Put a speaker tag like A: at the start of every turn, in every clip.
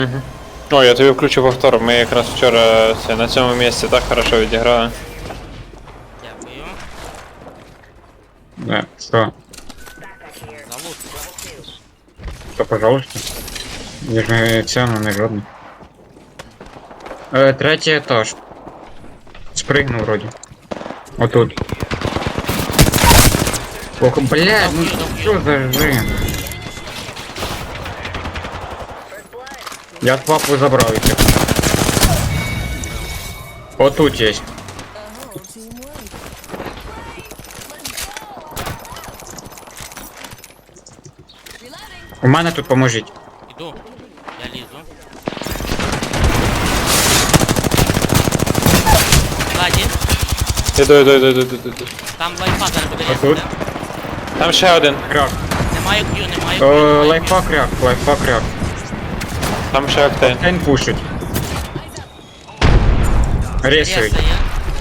A: Угу. О, я тобі включу повтор, ми якраз вчора на цьому місці так хорошо відіграли.
B: Дякую.
C: Да, что?
B: За лут.
C: Что, пожалуйста? Я же цену не жодный. Третий этаж. Спрыгнул вроде. Вот тут. Ох, блядь, ну что за жин? Я папу забрал еще. Вот тут есть. У мене тут поможіть.
B: Іду. Я лізу. Ззаді.
A: Іду.
B: Там лайфа зараз буде
C: А тут?
B: різати.
A: Там ще один.
C: Кряк.
B: Немає к'ю, немає к'ю.
C: Лайфа кряк.
A: Там ще октейн.
C: Тайн пушить. Ресують.
B: Ресає.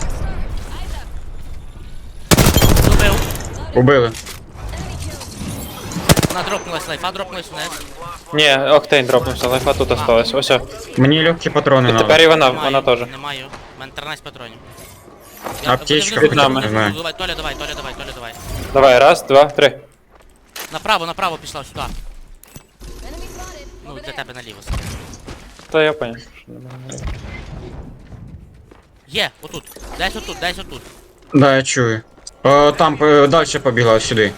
B: Убив.
C: Убили.
B: Надропнулась лайфа, дропнулась вниз.
A: Ні, октейн дропнувся, лайфа тут осталась. Ось.
C: Мені легкі патрони
A: І
C: надо.
A: тепер і вона
B: Немає,
A: теж.
B: Немає. У мене 13 патронів.
C: Аптечка
A: під нами.
C: знаю.
B: Толя, давай.
A: Давай, раз, два, три.
B: Направо пішла сюди. Ну, для тебе наліво.
A: Та я понял.
B: Є, отут. Десь отут.
C: Да, я чую. Там далі побігла сюди.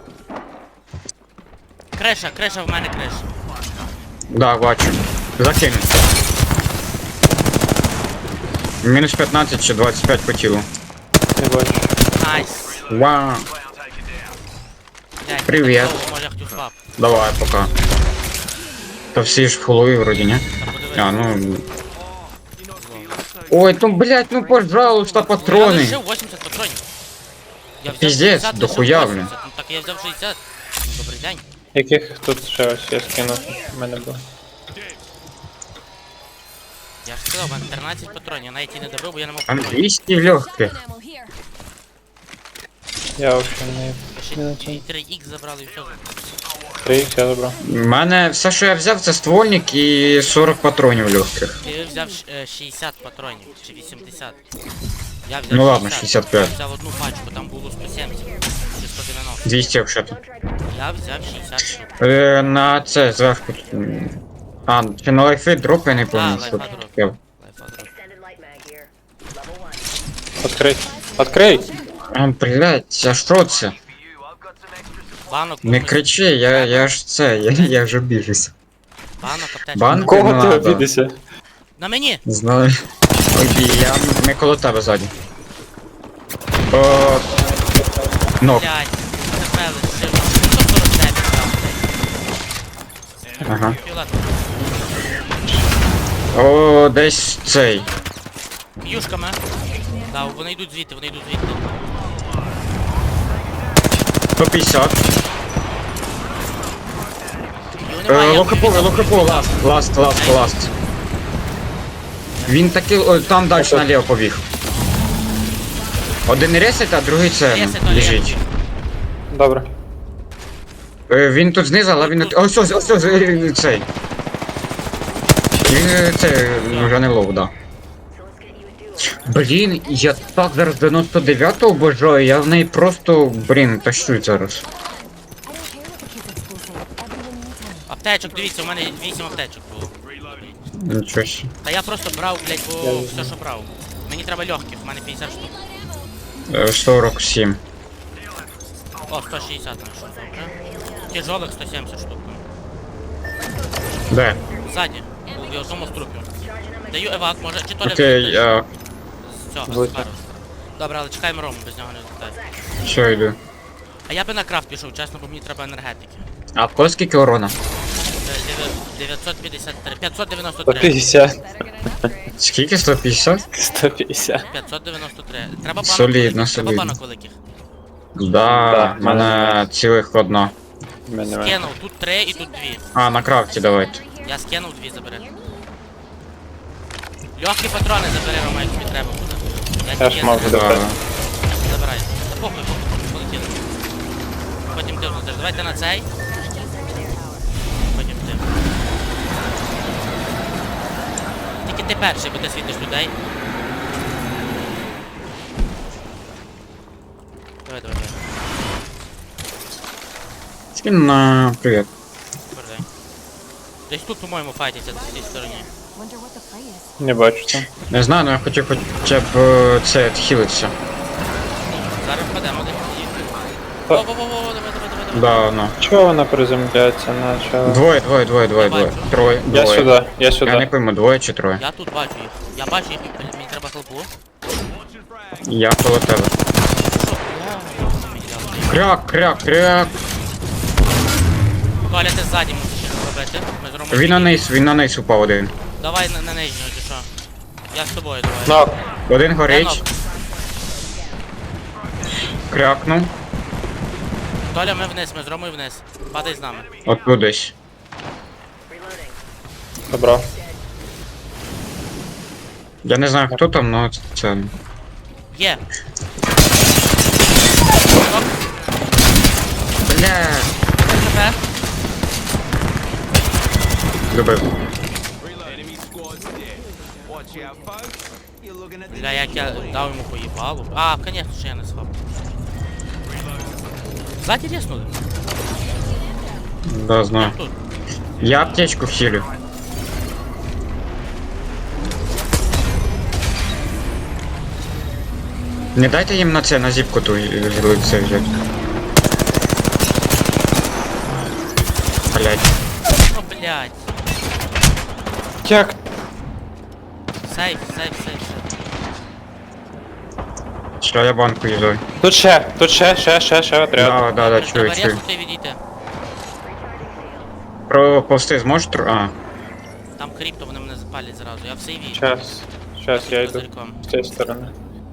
B: Криша в мене криша.
C: Да, бачу. Закину. Мінус 15 чи 25 по тілу.
A: Не бачу.
B: Найс.
C: Вау.
B: Блядь,
C: Привіт.
B: так довго, може я хотів свап.
C: Давай, пока. Та всі ж в фулові вроді, не?
B: Та подивись.
C: А, ну... Ой, ну, блядь, ну, пожалуйста,
B: Я
C: патрони.
B: лишив 80 патронів. Я взяв
C: Піздець,
B: 60,
C: дохуя,
B: лишив
C: блін.
B: 80. Ну так я взяв 60. Ну, добрий день.
A: Яких тут ще ось я скинув? У мене було.
B: Я ж сказав, у мене 13 патронів, я навіть і не добив, бо я не мав
C: Там
B: патронів.
C: 200 легких.
A: Я взагалі не...
B: Ще 3х забрали і все.
A: 3 я забрав.
C: У мене все, що я взяв, це ствольник і 40 патронів легких.
B: Ти взяв 60 патронів, чи 80. Я взяв
C: Ну ладно, 65.
B: Я взяв одну пачку, там було 170, чи 190.
C: 200 взагалі.
B: Я взяв 60 штук.
C: На це зверху. А, чи на лайфи дроп я не пам'ятаю.
B: лайфа дроп.
C: Я-
B: Лайфа дроп.
A: Открий!
C: А, блядь, а що це?
B: Банок,
C: Не
B: комусь-
C: кричи, я ж це, я вже біжусь.
B: банок, аптечка.
C: Банк?
A: Кого
C: не
A: ти
C: надо.
A: обідишся?
B: На мені!
C: Не знаю. Ой, ми коло тебе ззаді. О, нок.
B: Блядь, тебе лишив. 149 там, блядь.
C: Ага.
B: Фіолетово.
C: О, десь цей.
B: Юшками. Да, вони йдуть звідти.
C: 150.
B: Його немає, я
C: Лохапо, ласт. Він таки, там далі наліво побіг. Один ресет, а другий це
B: Ресет, але я
C: біжить.
B: побіг.
A: Добре.
C: Він тут знизу, але він... Ось, цей. Він це вже не лов, да. Блін, я так зараз 99-го бажаю, я в неї просто, тащу зараз.
B: Аптечок, дивіться, у мене 8 аптечок було.
C: Нічого ще.
B: Та я просто брав, блядь, бо все, що брав. Мені треба легких, у мене 50 штук.
C: 47.
B: О, 160 знайшов, добре. Тяжелых 170 штук.
C: Де?
B: Ззаді, в одному струпі. Даю евак, може, чи то
C: Окей,
B: з цього,
A: Будь.
B: з пару. Добре, але чекаємо Рому, без нього не літає.
C: що йду.
B: А я би на крафт пішов, чесно, бо мені треба енергетики.
C: А в кого скільки урона?
B: 953, 593.
A: 150.
C: Скільки? 150?
A: 150.
B: 593. Треба банок
C: Солідно,
B: великих, треба
C: солідно.
B: банок великих.
C: Да, в мене цілих одна.
A: У мене немає.
B: Скинув, тут 3 і тут 2.
C: А, на крафті давайте.
B: Я скинув 2, забери. Легкі патрони забери, Рома, як тобі треба буде.
A: Я ж мав
C: Да.
A: забрати.
B: Забирай. Та похуй, полетіли. Потім ти внутрі. Давайте на цей. Потім ти. Тільки ти перший, бо ти світиш людей. Давай, давай, давай.
C: Скин на привіт.
B: Передай. Десь тут, по-моєму, файтиться, в цій стороні.
D: Wonder what the play is.
A: Не бачу це.
C: Не знаю, але я хотів хоча б це відхилитися.
B: Зараз впадемо десь.
A: Та-
B: Во-во-во, давай.
C: Да, ну.
A: Чого вона приземляється наче?
C: Двоє.
B: бачу.
C: Троє.
A: Я
C: Двоє.
A: сюди, я
C: Я не
A: сюди.
C: пойму, двоє чи троє.
B: Я тут бачу їх. Я бачу їх, мені треба хелпу.
C: Я коло тебе.
B: Що?
C: Кряк.
B: Коля, ти ззаді мусиш щось робити. Ми з Ромою
C: Він на низ упав один.
B: Давай на нижнього, чи що? Я з тобою, давай.
A: Нок.
C: Один
B: Я
C: горить,
B: нок.
C: крякнув.
B: Толя, ми вниз, ми з Ромою вниз. Падай з нами.
C: Отут десь.
A: Добро.
C: Я не знаю хто там, но це.
B: Є.
C: Бля.
B: ХП.
C: Добив.
B: Бля, як я дав йому поїбалу. А, конечно, що я не схав. Ззаді ріснули.
C: Да, знаю.
B: Тут.
C: Я аптечку хилю. Не дайте їм на це, на зіпку ту це взяти. Блять.
B: О, блядь.
A: Як?
B: Сейф.
C: Що я банку їздив?
A: Тут ще отряд.
C: Да, чую,
B: Треба
C: чую.
B: різко відійти.
C: Проповсти зможеш А.
B: Там крипто, вони мене запалять зразу. Я в сейві.
A: Щас я йду
B: Козирьком.
A: з цієї сторони.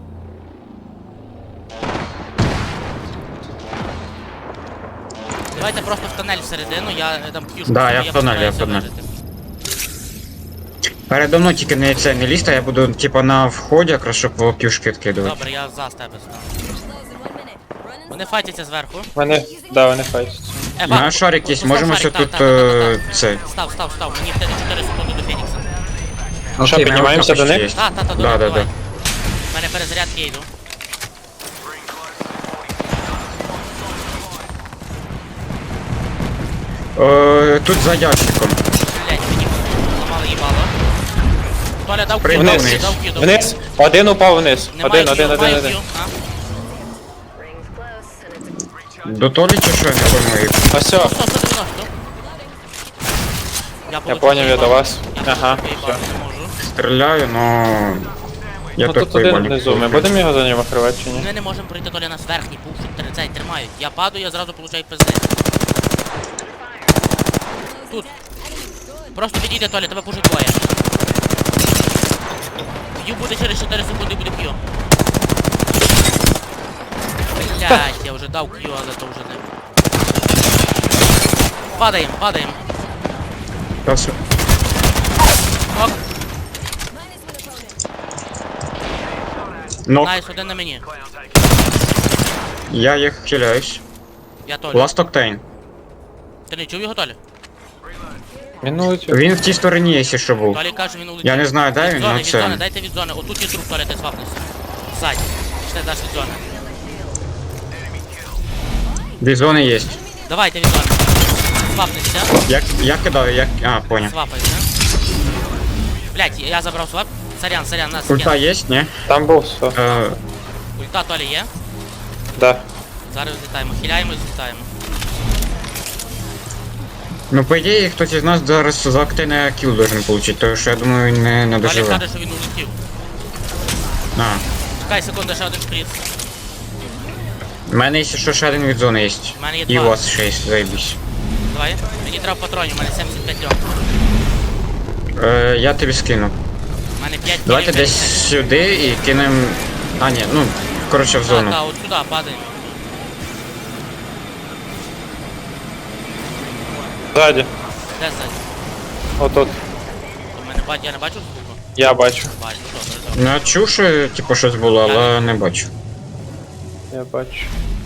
B: Давайте просто в тоннель всередину, я дам к'юшку.
C: Да,
B: собі,
C: я в тоннель, я в
B: постараюся
C: тоннель.
B: вижити.
C: Передо мною тільки не це не лізь, а я буду типа на вході, якраз щоб кюшки відкидувати.
B: Добре, я за тебе стану. Вони файтяться зверху.
A: Вони файтяться.
C: На шарик є,
B: постав
C: можемо
B: шарик,
C: ще
B: так,
C: тут
B: так.
C: це.
B: Став. Мені в тебе 4 секунди до Фенікса.
A: Ну що, піднімаємося до них?
B: Та,
C: Да,
B: давай.
C: да.
B: У мене перезарядки, я йду.
C: Тут за ящиком.
B: Блять, мені ламали їбало. Толя дав к'ю,
C: Пригнув
B: дав
C: вниз.
B: к'ю.
A: Вниз. Один упав вниз.
B: Немає
A: Один.
B: к'ю, маю к'ю. А?
C: До Толі чи що я не пойму.
A: Ось все.
B: 190.
A: Я
B: получив
A: поняв, я до
B: їбало.
A: вас.
B: Я
A: Ага,
B: получив
A: все.
B: їбало, не можу.
C: Стріляю, но... Я
A: Ну
C: так
A: тут один внизу. Ми будемо його за ним охривати чи ні?
B: Ми не можемо пройти, Толя нас верхній пушить, цей тримають. Я падаю, я зразу получаю пизди. Тут. Просто підійде, Толя, тебе пушить двоє. К'ю буде через 4 секунди, буде к'ю. Блять, я вже дав к'ю, але то вже не. Падаємо. Ок,
C: Нок,
B: найс, один на мені.
C: я їх хиляюсь.
B: Я Толя.
C: Last Octane.
B: Ти не чув його, Толя?
A: Минутю.
C: Він в тій стороні, якщо що був.
B: Толі каже, він улетів.
C: Я не знаю, де
B: Від
C: він,
B: зони,
C: но
B: від зони,
C: це...
B: дайте від зони. Отут є труп, Толя, ти свапнешся. Ззаді. Чи ти даш від зони?
C: Від зони є.
B: Давайте від зони. Свапнешся.
C: Я кидаю, А, понял.
B: Свапайся. Блять, я забрав свап. Сорян, нас
C: Ульта
B: скинули.
C: є, ні?
A: Там був все.
B: Ульта Толі є.
A: Да.
B: Зараз злітаємо. Хиляємо і злітаємо.
C: Ну, по ідеї, хтось із нас зараз за Octane кіл должен получить, тому що я думаю, він не
B: Толі
C: доживе.
B: каже, що він улетів.
C: А,
B: Чекай секунду, ще один шприц.
C: в мене, якщо що, ще один від зони є.
B: У мене є
C: І у
B: два.
C: вас ще є, заєбісь.
B: Давай. Мені треба патронів, у мене 75 льон.
C: Я тобі скину.
B: У мене 5
C: Давайте десь сюди і кинемо... А, ні, ну, коротше, в зону.
B: Так, от сюди падаємо.
A: Ззаді.
B: Де ззаді?
A: Отут.
B: Я не бачу звуку?
A: Я бачу.
B: Бачу, добре.
C: Ну, я чув, що, типу, щось було, але не бачу.
A: Я бачу.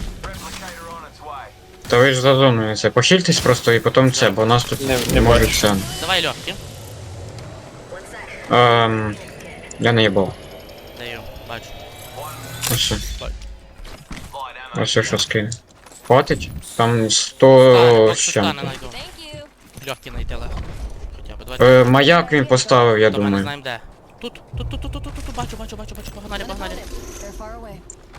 C: Та ви ж за зоною це. Похильтесь просто і потім це, бо нас тут
A: Не
C: не можуть
A: бачу.
C: це.
B: Давай легкі.
C: Я не їбав.
B: Даю, бачу.
C: Ось.
B: Бачу.
C: Ось що скину. Хватить? Там
B: Стане,
C: 100
B: поки
C: з
B: що стане
C: чим.
B: найду.
D: Thank you.
B: Легкі знайти легко. Хоча б, давайте.
C: Маяк він поставив, я
B: Добре, не
C: думаю.
B: знаємо де. Тут, бачу, погнали.
D: They're far away.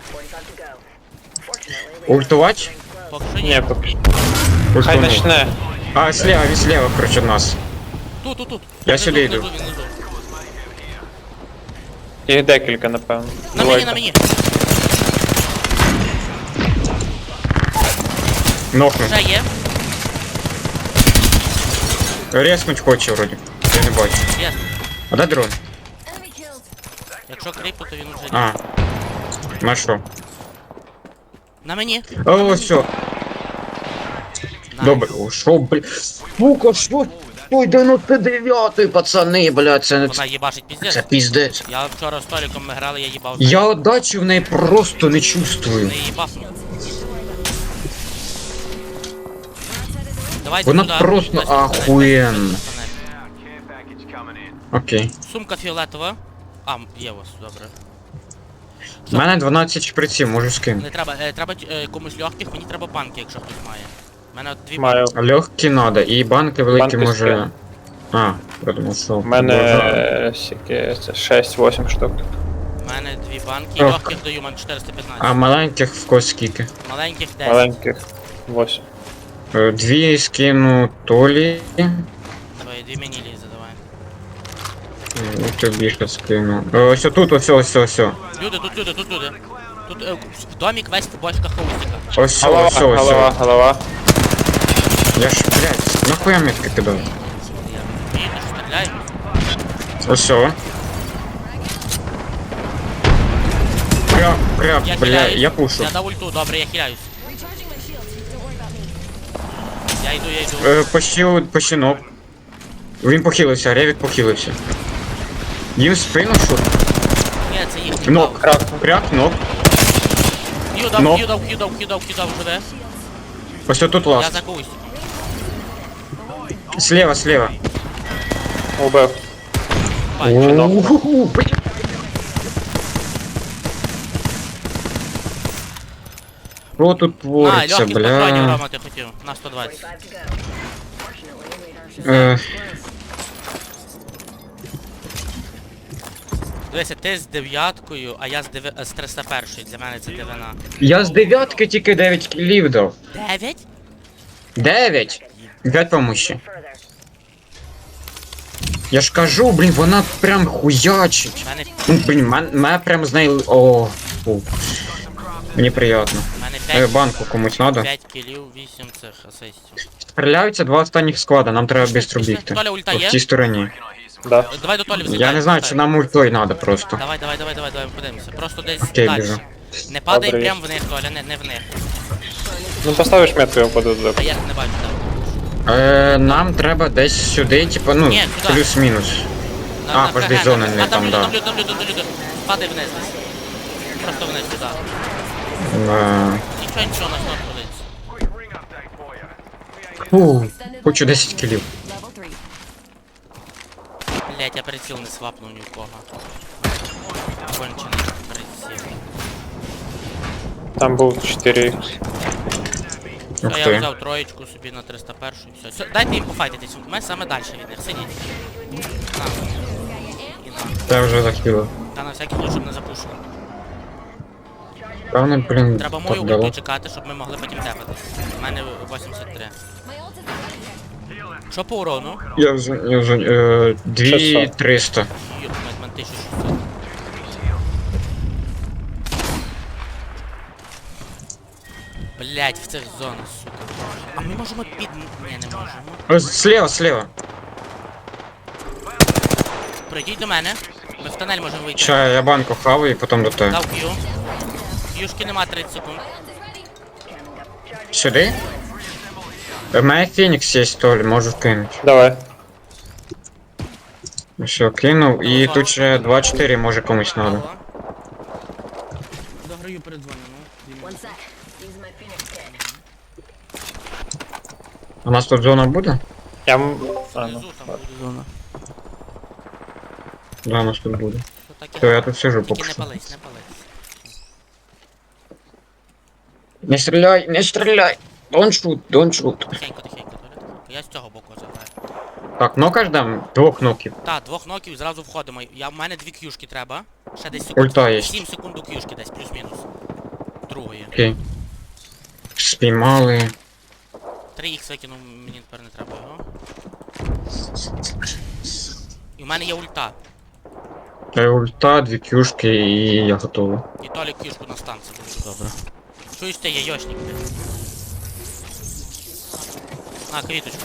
C: Ультувати?
B: Поки що
A: Ні,
B: ні.
A: поки. Хай
C: Ультанув.
A: начне.
C: А, слева, він слева, короче, нас.
B: Тут.
C: Я
B: Внизу,
C: сюди йду.
B: внизу.
A: Їх декілька, напевно.
B: На
A: Двойка.
B: мені.
C: Нокнув.
B: Вже є.
C: Резнуть хоче вроді. Я не бачу.
B: Є.
C: А де дрон?
D: Enemy killed.
B: Якщо кріпу, то він уже
C: А. На що?
B: На мені.
C: О, все.
B: Найс.
C: Добре. О, що, бля. Сука, що? Ой, 99-й, пацани, бля, це
B: Вона їбашить піздець.
C: це піздець.
B: Я вчора з Толіком ми грали, я їбав.
C: Я отдачі в неї просто не чувствую.
B: Не їбаснув. Давайте
C: Вона
B: сюди.
C: просто
B: Десь на тунель,
C: ахуєнна.
B: десь на тунель.
C: Окей.
B: Сумка фіолетова. А, є у вас, добре.
C: У мене 12 шприців, можу скинути.
B: Не треба, треба комусь легких, мені треба банки, якщо хтось має. У мене от дві
A: Маю.
C: Легкі надо, і банки великі
A: Банки
C: може.
A: скину.
C: А, я думав, що.
A: У мене скільки це 6-8 штук.
B: У мене дві банки, і
C: Ок.
B: легких даю, у мене 415.
C: А маленьких в кого скільки?
B: Маленьких 10.
A: Маленьких 8.
C: Дві скину Толі.
B: Давай, дві мені лізе, давай.
C: І тобі ще скину. Ось тут, ось.
B: Люди. Тут в домик весь бочка хаустика.
C: Ось,
A: Голова.
C: Я ж, блядь, нахуя метки кидаю?
B: Я їду, стріляю.
C: Ось. Кряк,
B: Я
C: бля,
B: хиляюсь.
C: я пушу.
B: Я дав ульту, добре, я хиляюсь.
D: Recharging my shields. Don't worry about me.
B: Я йду.
C: Почти ног. Він похилився, Ревік похилився. Їм в спину що?
B: Ні, це їхній
C: Нок,
B: бав.
C: кряк, нок.
B: Хью
C: Нок.
B: дав, живе.
C: Ось тут
B: Я
C: ласт.
B: за когось.
C: Слева.
A: Убив.
B: Бачу.
C: Уху, блядь. Що тут
B: На,
C: твориться,
B: легких патронів,
C: бля?
B: Рома, ти хотів. На 120.
C: Е,
B: Дивися, ти з 9-кою, а я з 301-ї. Для мене це дивина.
C: Я з 9 тільки 9 кілів дав.
B: 9?
C: 9? 5 помощі. Я ж кажу, блін, вона прям хуячить.
B: У мене,
C: Ну, блін, мене прям з нею... О, фу. Мені приємно.
B: у мене 5,
C: Банку комусь надо.
B: 5 кілів, 8 цих асистів.
C: Стріляються 2 останніх склада, нам треба швидко
B: Пішли.
C: бігти.
B: Толя, ульта
C: В
B: є?
C: цій стороні.
A: Да.
B: Давай до Толі взлітай.
C: Я не знаю, чи нам ультой надо просто.
B: Давай, подивимося. Просто десь
C: Окей,
B: далі.
C: біжу.
B: Не падай
A: Добре,
B: прям в них, Толя, не в них.
A: Ну поставиш метку, я впаду туди.
B: А я не бачу, так.
C: Нам треба десь сюди, типа, ну,
B: Ні, сюди.
C: плюс-мінус. А, подожди, зона не там, да.
B: Там люди. Падай вниз десь. Просто вниз сюди. Нічого, нас не ходить.
C: Фу, хочу 10 кілів.
D: Level 3.
B: Блять, я приціл не свапнув ні в кого. Кончений приціл.
A: Там був 4.
C: Ух
B: То я
C: ти.
B: взяв троєчку собі на 301 і все. Дайте їм пофайтитись, ми саме далі від них, сидіть. На. І на.
C: Я вже захилив.
B: Та на всякий случай, щоб не запушили.
C: Певно, блін,
B: Треба мою
C: так дало.
B: ульту чекати, щоб ми могли потім тепатись. У мене 83.
D: My ult is ready.
B: Що по урону?
C: Я вже, 2300.
B: Йоп, в мене 1600. Блять, в цих зонах, сука. А ми можемо під... Ні, не можемо.
C: Слева.
B: Прийдіть до мене. Ми в тунель можемо вийти.
C: Ща я банку хаваю і потім до тебе.
B: Дав Q. Юшки нема 30 секунд.
C: Сюди? У мене Фенікс є, Толь, можу кинути.
A: Давай.
C: Все, кинув, і тут ще 2-4 може комусь надо.
B: Дограю передзвоню, ну.
D: One sec. Using my Phoenix kit.
C: У нас тут зона буде?
A: А, ну.
B: Внизу там буде зона.
C: Да, нас тут буде.
B: То так і
C: То я тут сижу
B: Тільки
C: поки
B: не
C: що.
B: пались, не пались.
C: Не стріляй, не стріляй! Don't shoot, don't shoot.
B: Тихенько, тихенько, Толя, тихенько. Я з цього боку заграю.
C: Так, нокаш дам? Двох ноків.
B: Так, двох ноків зразу входимо. В мене 2 к'юшки треба. Ще десь секунд.
C: Ульта є.
B: 7 секунд до к'юшки десь, плюс-мінус. Другої.
C: Окей. Спіймали.
B: 3х викинув, мені тепер не треба його. І в мене є ульта.
C: Ульта, дві кюшки і я готовий.
B: І Толік кішку на станцію буде добре. Чуєш ти, яйошник, блядь. На, квіточку.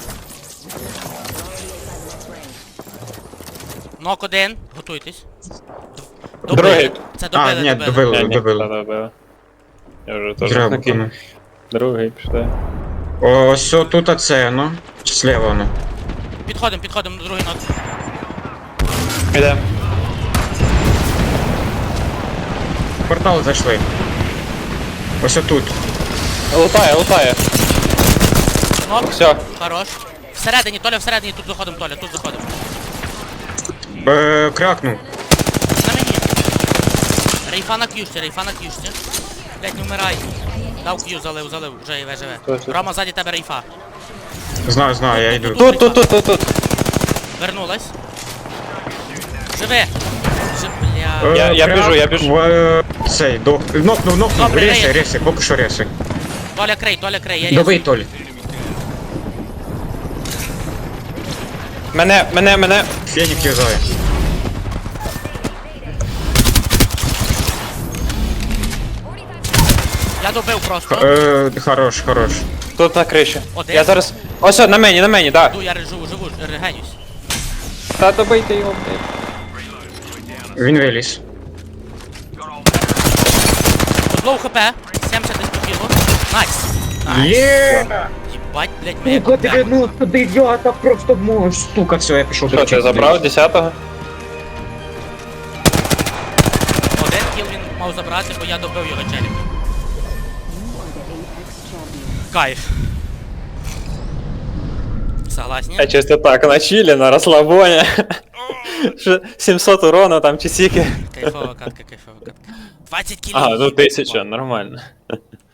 B: Нок один, готуйтесь.
A: Другий.
B: Це
C: А,
B: добили,
C: ні,
B: добили.
C: добили.
A: Добили. Я вже теж
C: Треба
A: накинув.
C: кину.
A: Другий пішли.
C: Ось тут оце, ну. Слева воно.
B: Підходимо до другий нок.
A: Іде.
C: В портал зайшли. Ось тут.
A: Лутає.
B: Нок,
A: Все.
B: хорош. Всередині, Толя, всередині, тут заходимо, Толя, тут заходимо.
C: Кракнув.
B: На мені. Рейфа на к'юшці. Блять, не вмирай. Дав к'ю, залив, живе.
A: Точно.
B: Рома, ззаді тебе рейфа.
C: Знаю, я йду.
A: Тут.
B: Вернулась. Живи. Бля.
A: Я біжу.
C: Цей, нокнув,
B: Добре,
C: реси,
B: рейс.
C: поки що реси.
B: Толя крей, я
C: Добий,
B: різу.
C: Толь.
A: Мене.
C: Фенік юзає.
B: Я добив просто.
C: Хорош.
A: Тут на криші.
B: Один.
A: Я зараз. Ось, на мені, да.
B: Я живу, регенюсь.
A: Та добийте його, блядь.
C: Він виліз.
B: Лоу хп, 70 десь по кілу. Найс.
C: Є!
B: Єбать, блять, моя
C: Сука,
B: купля.
C: 99 просто мощь. Сука, все, я пішов.
A: Що, ти забрав 10-го?
B: Один кіл він мав забрати, бо я добив його челік. Кайф. Согласні?
A: Я чисто так, на чилі, на розслабоні. 700 урона там чи сіки.
B: Кайфова катка. 20 кілів.
A: Ага, ну 1000, нормально.